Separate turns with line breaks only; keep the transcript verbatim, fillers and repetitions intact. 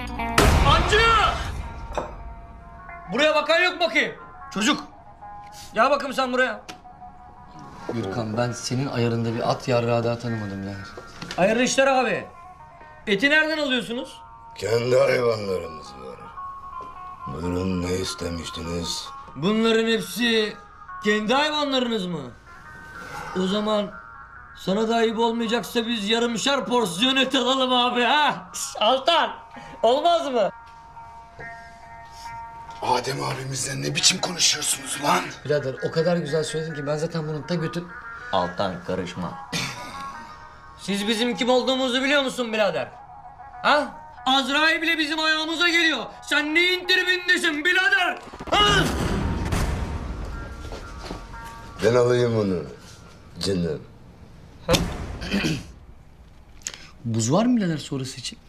Hancı! Buraya bakan yok bakayım. Çocuk. Gel bakayım sen buraya.
Gürkan, ben senin ayarında bir at yarrağı daha tanımadım yani.
Hayırlı işler abi. Eti nereden alıyorsunuz?
Kendi hayvanlarımız var. Buyurun, ne istemiştiniz?
Bunların hepsi kendi hayvanlarınız mı? O zaman sana da ayıp olmayacaksa biz yarımşar porsiyon et alalım abi ha? Altan, olmaz mı?
Adem abimizle ne biçim konuşuyorsunuz lan?
Birader o kadar güzel söyledin ki ben zaten bunun ta götün...
Altan karışma. Siz bizim kim olduğumuzu biliyor musun birader? Ha? Azrail bile bizim ayağımıza geliyor. Sen neyin tribindesin birader? Ha?
Ben alayım onu. Canım.
Buz var mı birader sonrası için?